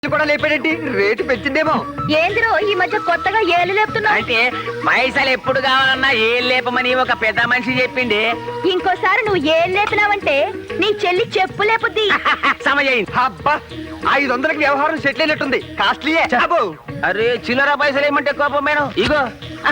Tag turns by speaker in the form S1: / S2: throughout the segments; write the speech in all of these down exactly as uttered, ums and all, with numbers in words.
S1: కూడా లేపాడేంటి? రేటు పెంచిందేమో.
S2: ఏందిరో ఈ మధ్య కొత్తగా ఏళ్ళు లేపుతున్నావు?
S3: అంటే పైసలు ఎప్పుడు కావాలన్నా ఏళ్ళు లేపమని ఒక పెద్ద మనిషి చెప్పింది.
S2: ఇంకోసారి నువ్వు ఏళ్ళు లేపినావంటే నీ చెల్లి చెప్పు లేపుద్ది.
S3: సమజయింది.
S1: అబ్బా, ఐదు వందలకి వ్యవహారం సెటిల్ అయినట్టుంది. కాస్ట్లీయే.
S3: అరే చిల్లర పైసలు ఏమంటే కోపం మేడం. ఇగో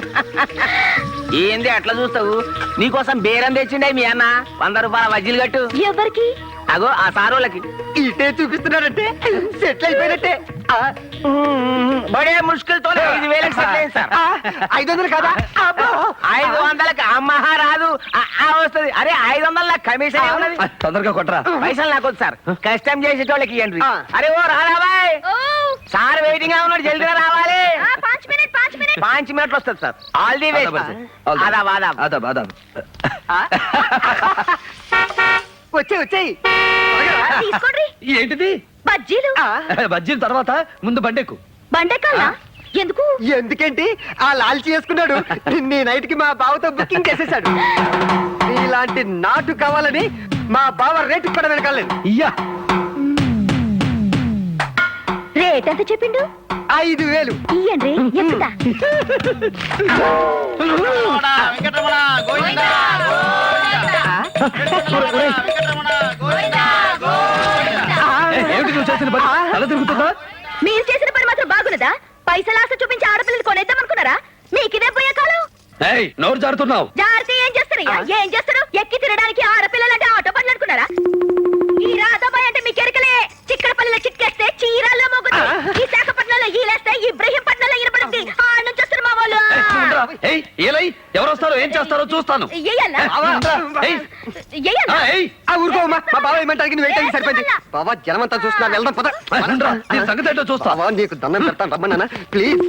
S3: ఏంది అట్లా చూస్తావు? నీకోసం బేరం తెచ్చిండే మీ అన్న. వంద రూపాయల వజ్జీలు కట్టు.
S2: ఎవరికి?
S3: అగో ఆ సారోళ్ళకి.
S1: ఇటే చూపిస్తున్నారంటే సెటిల్ అయిపోయినట్టే.
S3: బడే ముష్కిల్తో ఐదు వేలకు సెటిల్ అయింది సార్.
S1: ఐదు వందలు కదా?
S3: ఐదు వందలకి అమ్మహ రాదు వస్తుంది. అరే ఐదు వందల కమిషన్ ఉన్నది.
S1: తొందరగా కొట్టరా.
S3: పైసలు నాకు సార్. కష్టం చేసేటోళ్ళకి ఇవ్వండి. అరే ఓ రాబాయ్, సార్ వెయిటింగ్ గా ఉన్నాడు, జల్దిగా రావాలి. పాంచ్ మినిట్లు వస్తుంది సార్. All the way. ఆదాబ్ ఆదాబ్
S1: ఆదాబ్ ఆదాబ్. వచ్చే వచ్చేయి.
S2: తీసుకోండి.
S1: ఏంటిది?
S2: బజ్జీలు.
S1: బజ్జీల తర్వాత ముందు బండెక్కు.
S2: బండెక్కాలా? ఎందుకు?
S1: ఎందుకేంటి, ఆ లాల్చి చేసుకున్నాడు. నీ నైట్ కి మా బావతో బుకింగ్ చేసేసాడు. ఇలాంటి నాటు కావాలని మా బావ రేటు కూడా వెనకాలేదు. ఇయ్యా
S2: రేట్ ఎంత చెప్పిండు?
S1: ఐదు వేలు.
S2: ఇయ్యండి ఎక్కుతా. మీరు చేసిన పని మాత్రం బాగున్నదా? పైసలు ఆశ చూపించి ఆడపిల్లలు కొనేద్దాం అనుకున్నారా? మీకు ఇదే పోయే కాలం.
S1: నోరు జారుతున్నావు.
S2: జారితే ఏం చేస్తారు? ఏం చేస్తారు? ఎక్కి తినడానికి ఆడపిల్లలంటే ఆటో పనులు అనుకున్నారా? ఈ రాధాబాయ్ అంటే మీకు ఎరకలే. చిక్కడపల్లిలో చిక్కేస్తే చీరాల్లో మోగుతుంది. ఈ శాఖపట్నంలో ఈలేస్తే ఇబ్రహీంపట్నంలో ఇరపడుతుంది. ఆ నుంచి వస్తారు మా వాళ్ళు.
S1: ఎవరు వస్తారో ఏం చేస్తారో చూస్తాను. ఊరుకోమా, మా బావ ఏమంటారు? నువ్వు ఏంటంటే సరిపోయింది. బాబా జనమంతా చూస్తున్నారు, వెళ్దాం పద. సంగతి ఏంటో చూస్తావా? నీకు దండం పెడతాను, రమ్మన్నా ప్లీజ్.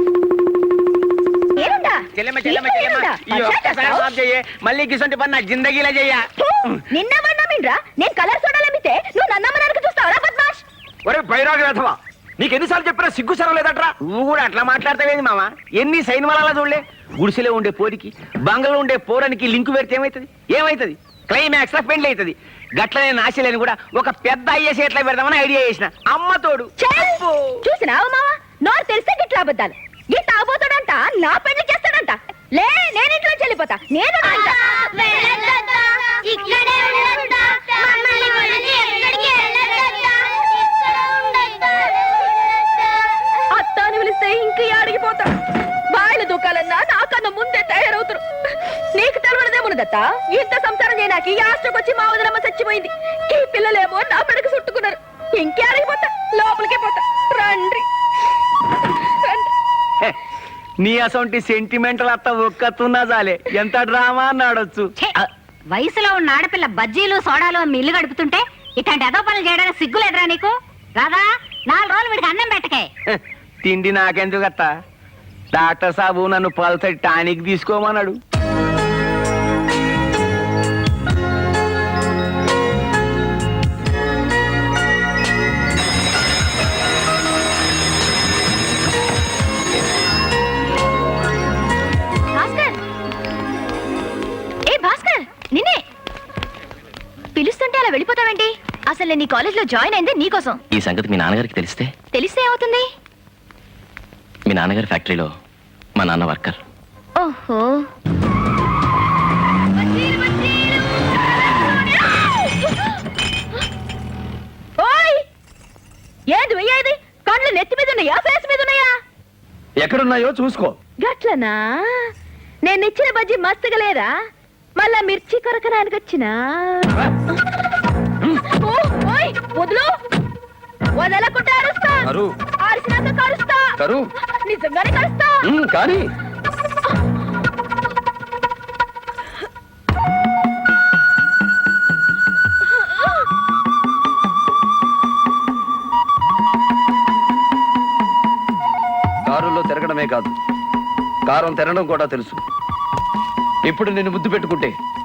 S3: మళ్ళీ గిసంటి పని నా జిందగీలా చెయ్య.
S2: నిన్న మన్నామిండ్రా నేను కలర్ సోడాలమ్మితే నువ్వు నన్నమ్మనానికి చూస్తావరా బద్మాష్?
S1: ఒరే బైరాగి వేధవా, నీకు ఎన్నిసార్లు చెప్పినా సిగ్గు సరం లేదట్రా.
S3: నువ్వు కూడా అట్లా మాట్లాడతావేంది మామ? ఎన్ని సైన్ వల్ల చూడలే. గుడిసెలో ఉండే పోరికి బంగళలో ఉండే పోరానికి లింకు పెడితే ఏమైతుంది? ఏమైతుంది? క్లైమాక్స్ లో పెండ్లి అవుతుంది. గట్లనే నాశలేని కూడా ఒక పెద్ద అయ్యేసి ఎట్లా పెడదామని ఐడియా చేసిన. అమ్మ తోడు
S2: చూసినావు మావా, నోరు తెలిస్తే గిట్లా అబద్ధాలు. ఈ తాగుబోతాడంట నా పెళ్లి చేస్తాడంట. లే నేను ఇంట్లో చెల్లిపోతా. నేను అత్తాని పిలిస్తే ఇంక అడిగిపోతా. బాయిల దూకాలన్నా నాకన్నా ముందే తయారవుతారు. నీకు తెలవడదేమున్నదత్త, ఇంత సంసారం చేయడానికి యాస్ట్రకొచ్చి మా వదినమ్మ చచ్చిపోయింది. ఈ పిల్లలేమో నా పెడకు చుట్టుకున్నారు. ఇంకే అడిగిపోతా, లోపలికే పోతా. రండి
S3: నీ అసొంటి సెంటిమెంటల్ అత్త ఒక్కతున్నా చాలే. ఎంత డ్రామా అన్నాడొచ్చు.
S4: వయసులో ఉన్న ఆడపిల్ల బజ్జీలు సోడాలు అమ్మి ఇల్లు గడుపుతుంటే ఇట్లాంటి అదో పనులు చేయడానికి సిగ్గులేదురా నీకు? రాదా నాలుగు రోజులు వీడికి అన్నం పెట్టకే.
S3: తిండి నాకెందుకు అత్త? డాక్టర్ సాబు నన్ను పల్సటి టానిక్ తీసుకోమన్నాడు.
S2: నిన్నే పిలుస్తుంటే అలా వెళ్ళిపోతావేంటి? అసలు నేను నీ కాలేజ్ లో జాయిన్ అయింది నీకోసం.
S5: ఈ సంగతి మీ నాన్నగారికి తెలిస్తే?
S2: తెలిస్తే ఏమవుతుంది?
S5: మీ నాన్నగారి ఫ్యాక్టరీలో మా నాన్న వర్కర్.
S2: ఓహో, ఓయ్ ఏది వెయ్యేది? కళ్ళు నెత్తి మీద ఉన్నాయా, ఫేస్ మీద ఉన్నాయా?
S1: ఎక్కడున్నాయో చూసుకో.
S2: గట్లనా? నేను ఇచ్చిన బజ్జీ మస్తుగా లేదా? మళ్ళా మిర్చి కొరకడానికి వచ్చినా? వదులు, వదలకుండా అరుస్తా. అరిసినాక కరుస్తా. నిజంగానే కరుస్తా.
S1: కానీ కారులో తిరగడమే కాదు, కారం తినడం కూడా తెలుసు. ఇప్పుడు నిన్ను ముద్దు పెట్టుకుంటే